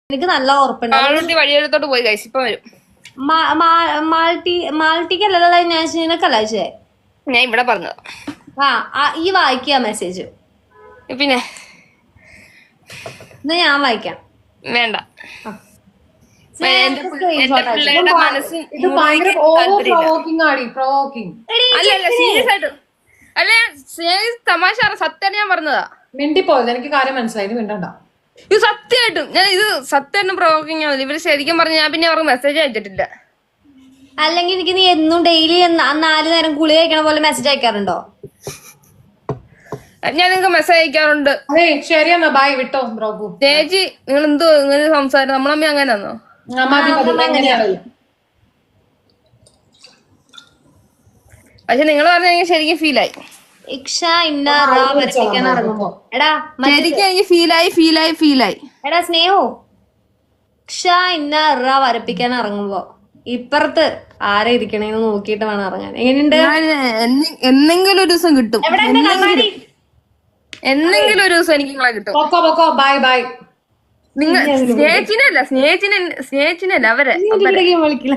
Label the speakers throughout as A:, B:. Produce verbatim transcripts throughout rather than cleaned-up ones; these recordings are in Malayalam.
A: എനിക്ക് നല്ല ഉറപ്പുണ്ട്.
B: വഴിയെടുത്തോട്ട് പോയി കഴിച്ചു ഇപ്പൊ വരും.
A: മാൾട്ടി മാൾട്ടിക്കല്ലല്ലോ ഞാൻ നിനക്കല്ല അയച്ചേ.
B: ഞാൻ ഇവിടെ പറഞ്ഞത്.
A: ആ ഈ വായിക്കുക മെസ്സേജ്.
B: പിന്നെ
A: എന്നാ ഞാൻ വായിക്കാം.
B: വേണ്ട. അല്ലല്ല സീരിയസ് ആയിട്ട് അല്ല തമാശ സത്യാണ് ഞാൻ പറഞ്ഞതാ.
C: മിണ്ടിപ്പോയത് എനിക്ക് കാര്യം മനസ്സിലായി. മിണ്ടണ്ട.
B: ഇത് സത്യമായിട്ടും ഞാൻ ഇത് സത്യമായിട്ടും പ്രൊവോക്കിംഗ് ആവില്ല. ഇവര് ശരിക്കും പറഞ്ഞ ഞാൻ പിന്നെ അവർക്ക് മെസ്സേജ് അയച്ചിട്ടില്ല.
A: അല്ലെങ്കിൽ എനിക്ക് നീ എന്നും ഡെയിലി നാല് നേരം കുളി കഴിക്കണ പോലെ മെസ്സേജ് അയക്കാറുണ്ടോ?
B: ഞാൻ നിങ്ങൾക്ക് മെസ്സേജ് അയക്കാറുണ്ട്.
C: ശരിയെന്നാ ബൈ വിട്ടോ ബ്രോഗു.
B: ചേച്ചി നിങ്ങൾ എന്തോ ഇങ്ങനെ സംസാരം നമ്മളമ്മ അങ്ങനെയാന്നോ? പക്ഷെ നിങ്ങൾ പറഞ്ഞ എനിക്ക് ശരിക്കും ഫീലായി. ശരിക്കും എനിക്ക് ഫീലായി ഫീലായി ഫീലായി
A: എടാ സ്നേഹോ ക്ഷ ഇന്ന റ വരപ്പിക്കാൻ ഇറങ്ങുമ്പോ ഇപ്പുറത്ത് ആരെ ഇരിക്കണേന്ന് നോക്കിയിട്ട് വേണം ഇറങ്ങാൻ. എങ്ങനെയുണ്ട്?
B: എന്തെങ്കിലും ഒരു ദിവസം കിട്ടും. എന്തെങ്കിലും ഒരു ദിവസം എനിക്ക് നിങ്ങളെ കിട്ടും.
C: Bye bye.
B: നിങ്ങൾ സ്നേഹിച്ചിനല്ല സ്നേഹിച്ചിനെ സ്നേഹിച്ചിനല്ല അവരെ
A: വിളിക്കില്ല.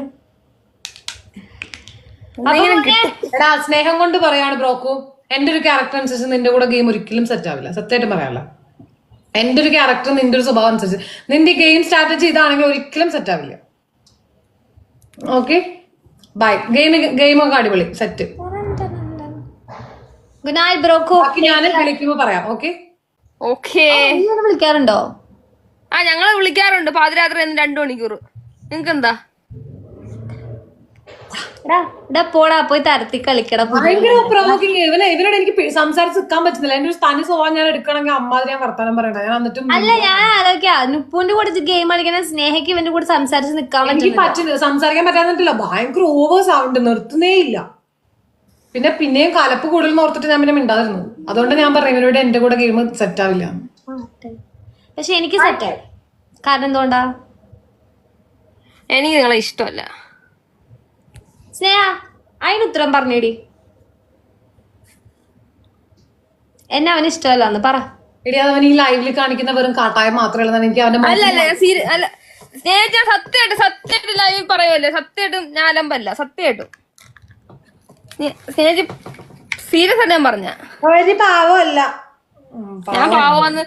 C: എടാ സ്നേഹം കൊണ്ട് പറയാണ് ബ്രോക്കു. എന്റെ ഒരു ക്യാരക്ടർ അനുസരിച്ച് നിന്റെ കൂടെ ഗെയിം ഒരിക്കലും സെറ്റ് ആവില്ല. സത്യമായിട്ടും പറയാമല്ല. എന്റെ ഒരു ക്യാരക്ടർ നിന്റെ ഒരു സ്വഭാവം അനുസരിച്ച് നിന്റെ ഗെയിം സ്ട്രാറ്റജി ഇതാണെങ്കിൽ ഒരിക്കലും സെറ്റ് ആവില്ല. Okay bye. ഗെയിം ഗെയിമൊക്കെ അടിപൊളി സെറ്റ്.
A: Good night ബ്രോക്കോ.
C: ഞാൻ വിളിക്കുമ്പോ പറയാം. Okay
B: okay.
A: വിളിക്കാറുണ്ടോ?
B: ആ ഞങ്ങള് വിളിക്കാറുണ്ട് പാതിരാത്രി രണ്ടു മണിക്കൂർ. നിങ്ങക്ക് എന്താ?
A: പോടാ പോയി തരത്തി കളിക്കട.
C: ഭയങ്കര പ്രൊവോക്കിംഗ്. ഇവനെ ഇവനോട് എനിക്ക് സംസാരിച്ച് നിൽക്കാൻ പറ്റുന്നില്ല. എന്റെ ഒരു തനി സ്വഭാവം ഞാൻ എടുക്കണമെങ്കിൽ അമ്മാതിരി ഞാൻ വർത്താനം പറയണ്ട. ഞാൻ എന്നിട്ടും
A: അല്ല ഞാൻ ആലോചിക്കാ നുപ്പുവിന്റെ കൂടെ ഗെയിം കളിക്കുന്ന സ്നേഹയ്ക്ക് ഇവന്റെ കൂടെ സംസാരിച്ച് നിൽക്കാൻ
C: എനിക്ക് പറ്റുന്നില്ല. സംസാരിക്കാൻ പറ്റാന്നിട്ടില്ല. ഭയങ്കര ഓവർ സൗണ്ട് നിർത്തുന്നേ ഇല്ല. പിന്നെ പിന്നെയും കലപ്പ് കൂടുതൽ ഓർത്തിട്ട് ഞാൻ പിന്നെ മിണ്ടാതിരുന്നു. അതുകൊണ്ട് ഞാൻ പറഞ്ഞു ഇവരോട് എന്റെ കൂടെ ഗെയിം സെറ്റ് ആവില്ല.
A: പക്ഷെ എനിക്ക് സെറ്റായി. കാരണം എന്തുകൊണ്ടാ?
B: എനിക്ക് നിങ്ങളെ ഇഷ്ടമല്ല.
A: സ്നേഹ അതിന് ഉത്തരം പറഞ്ഞേടി. എന്നെ അവന് ഇഷ്ടമല്ലാന്ന് പറ.
C: എടി അവൻ ഈ ലൈവില് കാണിക്കുന്ന വെറും കാട്ടായം മാത്രമേ ഉള്ളൂ. എനിക്ക് അവന്റെ
B: അല്ല സ്നേഹിച്ച സത്യമായിട്ട് സത്യമായിട്ട് ലൈവ് പറയുമല്ലേ. സത്യമായിട്ടും ഞാൻ അലമ്പല്ല. സത്യമായിട്ടും സ്നേഹിച്ച് സീരിയസ് ആയിട്ട് ഞാൻ പറഞ്ഞ
C: ഒരു പാവമല്ല.
B: ഞാൻ പാവന്ന്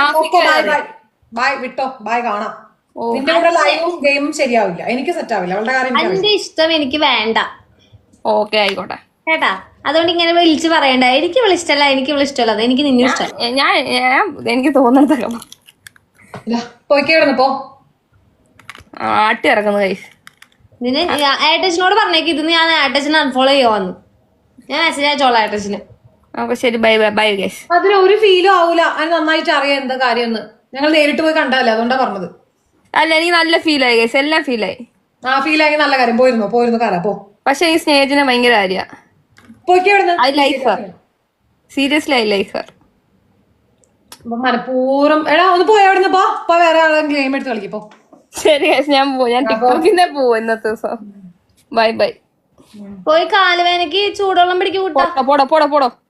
C: ബൈ വിട്ടോ. ബൈ കാണാം. നിന്റെ കൂടെ ലൈവും ഗെയിമും ശരിയാവില്ല. എനിക്ക് സെറ്റ് ആവില്ല. അവളുടെ കാര്യം
A: എന്റെ ഇഷ്ടം എനിക്ക് വേണ്ട.
B: ഓക്കെ ആയിക്കോട്ടെ
A: കേട്ടാ. അതുകൊണ്ട് ഇങ്ങനെ വിളിച്ച് പറയണ്ട. എനിക്ക് വിളിച്ചിട്ടല്ല എനിക്ക് വിളിച്ചിട്ടല്ല. അത് എനിക്ക് നിന്നെ ഇഷ്ടം.
B: ഞാൻ എനിക്ക് തോന്നുന്നതൊക്കെ
C: പോയിക്കേടുന്നു പോ.
B: ആട്ടി ഇറങ്ങുന്നു കൈ.
A: ഇതിന് ഏട്ടച്ചനോട് പറഞ്ഞേക്ക് ഇത് ഞാൻ ഏട്ടച്ചനെ അൺഫോളോ ചെയ്യുവാന്ന്. ഞാൻ മെസ്സേജ് അയച്ചോളാം ഏട്ടച്ചന്.
B: ഓക്കെ ശരി ബൈ ബൈ ബൈ ഗൈസ്.
C: അതിന് ഒരു ഫീലും ആവൂല. അത് നന്നായിട്ട് അറിയാം എന്താ കാര്യം എന്ന്. ഞങ്ങൾ നേരിട്ട് പോയി കണ്ടല്ലേ. അതുകൊണ്ടാ പറഞ്ഞത്.
B: അല്ല എനിക്ക് നല്ല ഫീലായി ഗൈസ്. എല്ലാം ഫീലായി.
C: ആ ഫീലായി നല്ല കാര്യം. പോയിരുന്നു പോയിരുന്നു കാരാ പോ.
B: പക്ഷെ ഈ സ്നേഹത്തിന് ഭയങ്കര കാര്യ.
C: I
B: like her. Seriously I like her.
C: മനഃപൂർവ്വം എടാ ഒന്ന് പോയി അവിടെ പോ. വേറെ ആളെ ഗെയിം എടുത്ത് കളിക്കപ്പോ.
B: ശരി ഗൈസ് ഞാൻ പോവും. ഞാൻ ടിക്ടോക്കിന്നെ പോവും ഇന്നത്തെ ദിവസം. Bye bye.
A: പോയി കാലുവേനക്ക് ചൂടുവെള്ളം പിടിക്കും.
B: പോടോ പോടോ പോടോ